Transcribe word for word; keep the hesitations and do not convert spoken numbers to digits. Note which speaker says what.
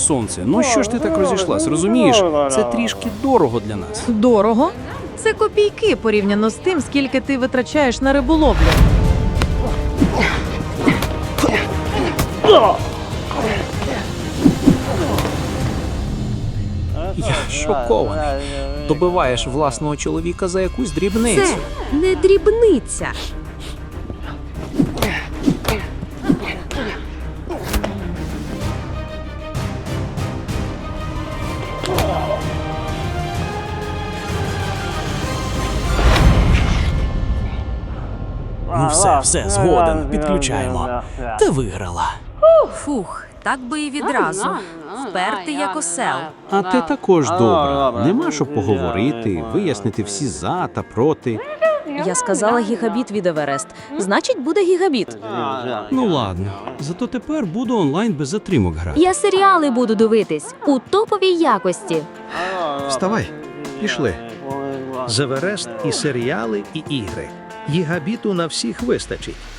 Speaker 1: сонце. Ну що ж ти так розійшлась, розумієш? Це трішки дорого для нас.
Speaker 2: Дорого? Це копійки порівняно з тим, скільки ти витрачаєш на риболовлю.
Speaker 1: Я шокований. Добиваєш власного чоловіка за якусь дрібницю.
Speaker 3: Це не дрібниця.
Speaker 1: Ну все, все, згоден, підключаємо. Ти виграла.
Speaker 3: Фух, так би і відразу. Впертий як осел.
Speaker 4: А ти також добра. Нема що поговорити, вияснити всі за та проти.
Speaker 5: Я сказала гігабіт від Еверест. Значить, буде гігабіт.
Speaker 4: Ну ладно, зато тепер буду онлайн без затримок грати.
Speaker 6: Я серіали буду дивитись у топовій якості.
Speaker 7: Вставай, пішли. З Еверест і серіали, і ігри. Гігабіту на всіх вистачить.